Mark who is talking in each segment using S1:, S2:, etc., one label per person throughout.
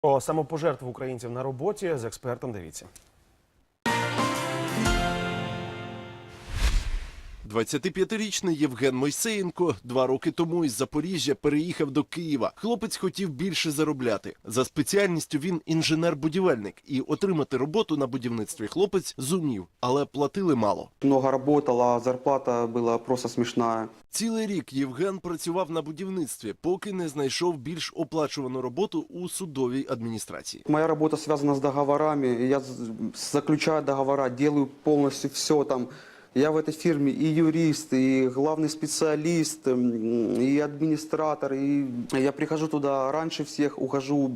S1: Про самопожертву українців на роботі з експертом дивіться.
S2: 25-річний Євген Мойсеєнко 2 роки тому із Запоріжжя переїхав до Києва. Хлопець хотів більше заробляти. За спеціальністю він інженер-будівельник. І отримати роботу на будівництві хлопець зумів, але платили мало.
S3: Много работал, а зарплата была просто смешная.
S2: Цілий рік Євген працював на будівництві, поки не знайшов більш оплачувану роботу у судовій адміністрації.
S3: Моя работа связана с договорами. Я заключаю договора, делаю полностью все там. Я в этой фирме и юрист, и главный специалист, и администратор. И я прихожу туда раньше всех, ухожу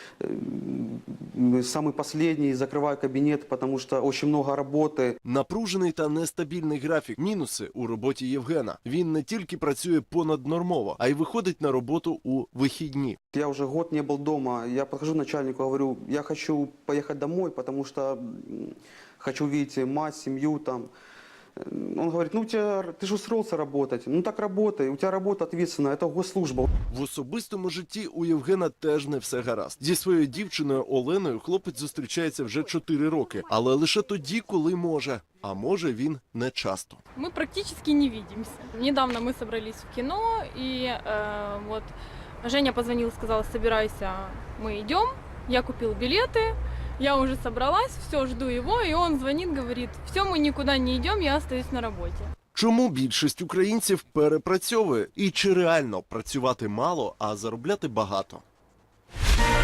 S3: самый последний, закрываю кабинет, потому что очень много работы.
S2: Напружений та нестабільний графік. Мінуси у роботі Євгена. Він не тільки працює понаднормово, а й виходить на роботу у вихідні.
S3: Я уже год не был дома. Я подхожу к начальнику, говорю, я хочу поехать домой, потому что хочу видеть мать, семью там. Он говорит, ну ты же устроился работать, ну так работай, у тебя работа ответственная, это госслужба.
S2: В особистому житті у Євгена теж не все гаразд. Зі своєю дівчиною Оленою хлопець зустрічається вже 4 роки, але лише тоді, коли може. А може він не часто.
S4: Мы практически не видимся. Недавно мы собрались в кино, и вот Женя позвонил, сказал, собирайся, мы идем. Я купил билеты, я уже собралась, все, жду его, и он звонит, говорит, все, мы никуда не идем, я остаюсь на работе.
S2: Чому більшість українців перепрацьовує? І чи реально працювати мало, а заробляти багато?